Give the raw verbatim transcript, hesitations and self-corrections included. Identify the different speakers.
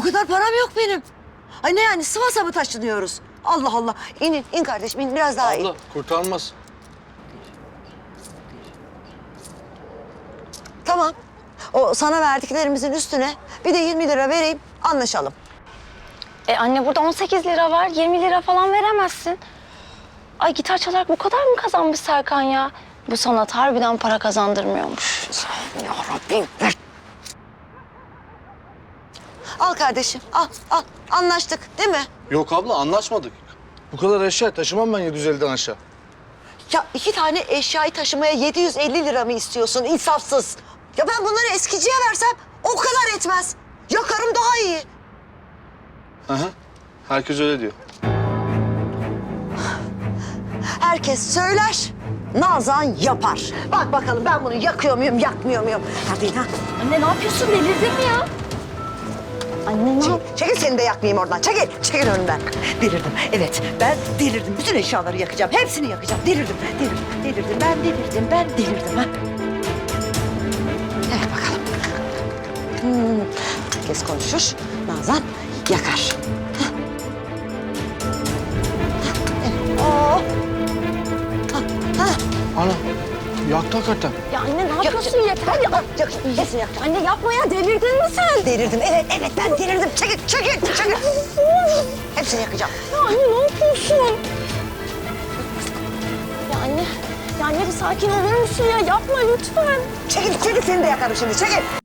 Speaker 1: o kadar param yok benim. Ay ne yani Sivas'a mı taşınıyoruz? Allah Allah. İn in, in kardeşim in biraz daha in.
Speaker 2: Abla kurtarmaz.
Speaker 1: Tamam. O sana verdiklerimizin üstüne bir de yirmi lira vereyim anlaşalım.
Speaker 3: E anne burada on sekiz lira var. yirmi lira falan veremezsin. Ay gitar çalarak bu kadar mı kazanmış Serkan ya? Bu sanat harbiden para kazandırmıyormuş.
Speaker 1: Ya Rabbim ver. Al kardeşim al al anlaştık değil mi?
Speaker 2: Yok abla anlaşmadık. Bu kadar eşya taşımam ben yedi yüz elliden aşağı.
Speaker 1: Ya iki tane eşyayı taşımaya yedi yüz elli lira mı istiyorsun insafsız? Ya ben bunları eskiciye versem o kadar etmez. Yakarım daha iyi.
Speaker 2: Hı hı. Herkes öyle diyor.
Speaker 1: Herkes söyler, Nazan yapar. Bak bakalım ben bunu yakıyor muyum, yakmıyor muyum? Hadi ha.
Speaker 3: Anne ne yapıyorsun? Delirdin mi ya? Anne ne yap?
Speaker 1: Çekil seni de yakmayayım oradan. Çekil, çekil önümden. Delirdim. Evet, ben delirdim. Bütün eşyaları yakacağım. Hepsini yakacağım. Delirdim, delirdim, delirdim. Ben delirdim, ben delirdim. Ha? Evet bakalım. Hmm. Herkes konuşur. Nazan yakar. Ha? Evet. Oo. Ha, ha.
Speaker 2: Ana yaktı hakikaten.
Speaker 3: Ya anne ne yapıyorsun? Yeter ya.
Speaker 1: Yak, hepsini yak.
Speaker 3: Anne yapma ya. Delirdin mi sen?
Speaker 1: Delirdim. Evet, evet ben delirdim. Çekil, çekil, çekil. Hepsini yakacağım.
Speaker 3: Ya anne ne yapıyorsun? Ya anne, ya anne bir sakin olur musun ya? Yapma lütfen.
Speaker 1: Çekil, çekil seni de yakarım şimdi. Çekil.